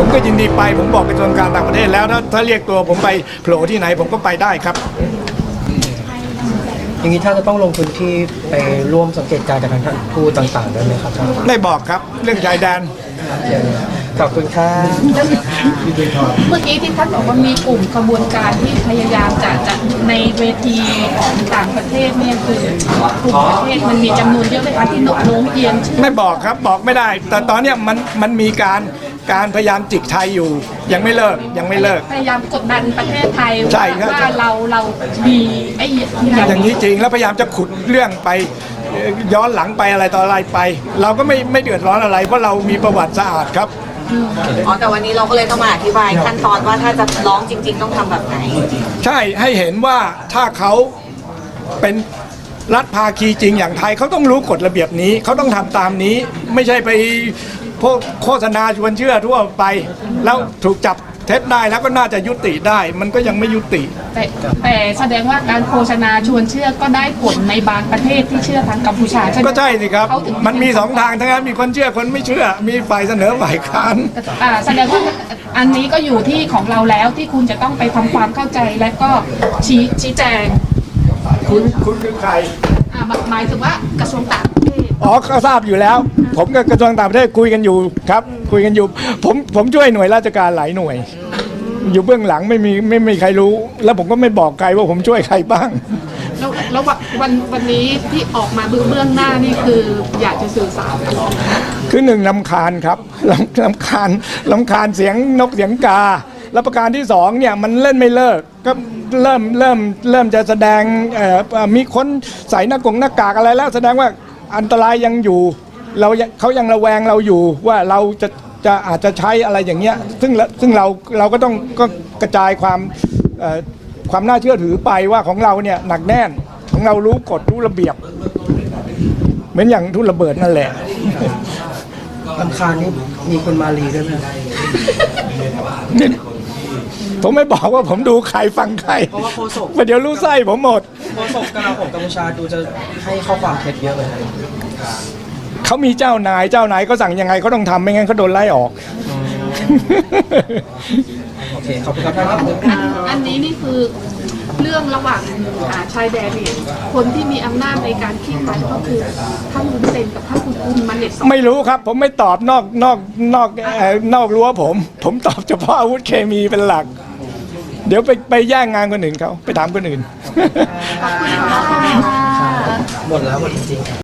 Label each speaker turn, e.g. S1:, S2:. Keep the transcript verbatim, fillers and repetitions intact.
S1: ผมก็ยินดีไปผมบอกกระทรวงการต่างประเทศแล้วถ้าถ้าเรียกตัวผมไปโผล่ที่ไหนผมก็ไปได้ครับ
S2: อย่างนี้ถ้าจะต้องลงพื้นที่ไปร่วมสังเกตการณ์กับทางท่านทูตต่างๆได้ไหมครับท่าน
S1: ไม่บอกครับเรื่องชายแดน
S2: ขอบคุณครับ
S3: เมื่อกี้ที่ท่านบอกว่ามีกลุ่มขบวนการที่พยายามจะจะในเวทีของต่างประเทศเนี่ยคือกลุ่มประเทศมันมีจำนวนเยอะไหมคะที่โน้มเอียงชื่อ
S1: ไม่บอกครับบอกไม่ได้ แต่ตอนนี้มันมันมีการการพยายามจิกไทยอยู่ยังไม่เลิกยังไม่เลิก
S3: พยายามกดดันประเทศไทย
S1: ว่า
S3: เราเรามีไอ้
S1: อย่างนี้จริงแล้วพยายามจะขุดเรื่องไปย้อนหลังไปอะไรต่ออะไรไป เราก็ไม่ไม่เดือดร้อนอะไรเพราะเรามีประวัติสะอาดครับ
S4: อ๋อแต่วันนี้เราก็เลยต้องมาอธิบายขั้นตอนว่าถ้าจะร้องจริงๆต้องทำแบบไหน
S1: ใช่ให้เห็นว่าถ้าเขาเป็นรัฐภาคีจริงอย่างไทยเขาต้องรู้กฎระเบียบนี้เขาต้องทำตามนี้ไม่ใช่ไปพวกโฆษณาชวนเชื่อทั่วไปแล้วถูกจับเท็จได้แล้วก็น่าจะยุติได้มันก็ยังไม่ยุติ
S3: แต่แต่แสดงว่าการโฆษณาชวนเชื่อก็ได้ผลในบางประเทศที่เชื่อทางกัมพูชาใช่ไหม
S1: ก็ใช่สิครับมันมีสองทางทั้งนั้นมีคนเชื่อคนไม่เชื่อมีฝ่ายเสนอฝ่ายค้าน
S3: อ่าแสดงว่าอันนี้ก็อยู่ที่ของเราแล้วที่คุณจะต้องไปทำความเข้าใจและก็ชี้ชี้แจง
S1: คุณคุณคือใคร
S3: อ่าหมายถึงว่ากระทรวงต่างประเทศ
S1: อ๋อก็ทราบอยู่แล้วผมกับกระทรวงต่างประเทศคุยกันอยู่ครับคุยกันอยู่ผมผมช่วยหน่วยราชการหลายหน่วยอยู่เบื้องหลังไม่มีไม่มีใครรู้แล้วผมก็ไม่บอกใครว่าผมช่วยใครบ้าง
S3: แล้วแล้ววันวันนี้ที่ออกมาเบื้องหน้านี่คืออยากจะสื่อสาร
S1: คือหนึ่งลำคาญครับลำลำคาญลำคาญเสียงนกเสียงกาแล้วประการที่สองเนี่ยมันเล่นไม่เลิกก็เริ่มเริ่มเริ่มจะแสดงมีคนใส่หน้ากงหน้ากากอะไรแล้วแสดงว่าอันตรายยังอยู่เราเขายังระแวงเราอยู่ว่าเราจะจะอาจจะใช้อะไรอย่างเงี้ยซึ่งซึ่งเราเราก็ต้องก็กระจายความความน่าเชื่อถือไปว่าของเราเนี่ยหนักแน่นของเรารู้กฎรู้ระเบียบเหมือนอย่างทุ่นระเบิดนั่นแหละ
S2: ลำคาญนี่มีคนมาลีด้วยไหม
S1: ผมไม่บอกว่าผมดูใครฟังใคร
S2: เพราะว่าโฆษก
S1: เดี๋ยวรู้ไส้ผมหมด
S2: โฆษกกลาโหมกัมพูชาดูจะให้ข้อความเท็จเยอะเลย
S1: เขามีเจ้านายเจ้านายก็สั่งยังไงเขาต้องทำไม่งั้นเขาโดนไล่ออก
S2: โอเคขอบคุณครับท่าน
S3: อันนี้นี่คือเรื่องระหว่างชายแดนเนี่ยคนที่มีอำนาจในการขี้คายก็คือท่านบุญเซนกับท่านคุณอุ้มมันเด็ด
S1: ไม่รู้ครับผมไม่ตอบนอกนอกนอกนอกรั้วผมผมตอบเฉพาะอาวุธเคมีเป็นหลักเดี๋ยวไปไปแย่งงานคนอื่นเขาไปถามคนอื่น
S2: หมดแล้วหมดจริงๆ